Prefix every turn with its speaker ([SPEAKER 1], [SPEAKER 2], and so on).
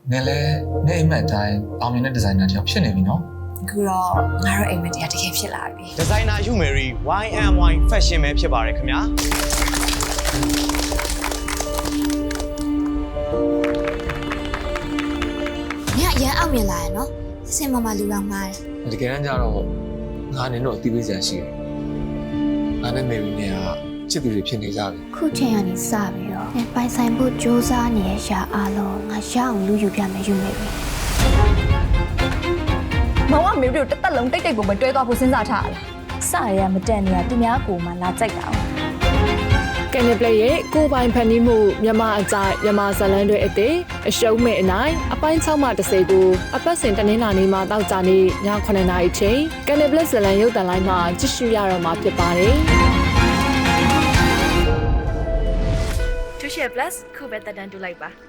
[SPEAKER 1] နင်လည်းနေအိမ်မက်အတိုင်းအောင်မြင်တဲ့ဒီဇိုင်နာတစ်ယောက်ဖြစ်နေပြီနော်
[SPEAKER 2] အခုတော့ငါတို့အိမ်မက်တရားတကယ်ဖြစ်လာပြီ
[SPEAKER 3] ဒီဇိုင်နာယူမယ်ရီ YMY Fashion ပဲဖြစ်ပါတယ်ခင်ဗျာ
[SPEAKER 4] ညရန်အောင်မြင်လာရနော်စင်မမလူတော်မှားတယ်
[SPEAKER 1] တကယ်တမ်းကျတော့ငါနင်တို့အတီးပေးစရာရှိတယ်ငါနဲ့မေရီနဲ့ကချစ်သူတွေဖြစ်နေကြပြီ
[SPEAKER 4] ခုချိန်ကနေစပြီးတော့ပိုင်ဆိုင်ဖို့စူးစမ်းနေတဲ့ရှာအားလုံးငါရအောင်လူယူပြမယ်ယူမယ်ပြီ
[SPEAKER 5] မောင်ကမေတို့တစ်သက်လုံးတိတ်တိတ်ပုံပဲတွဲသွားဖို့စဉ်းစားထားတာစရရမတက်နေရသူများကိုမှလာကြိုက်တာ
[SPEAKER 6] ကန်နပလက်ရဲ့ကိုပိုင်ဖန်တီးမှုမြန်မာအကြိုက်မြန်မာဇလန်တွေအသေးအရှုံးမဲ့အနိုင်အပိုင်း6မှ30ကိုအပတ်စဉ်တနင်္လာနေ့မှတောက်ကြနေ့ည9:00နာရီချိန်ကန်နပလက်ဇလန်ရုပ်သံလိုင်းမှာကြည့်ရှုရတော့မှာဖြစ်ပါတယ်။ Tuition Plus ခုပဲတက်တန်းတူလိုက်ပါ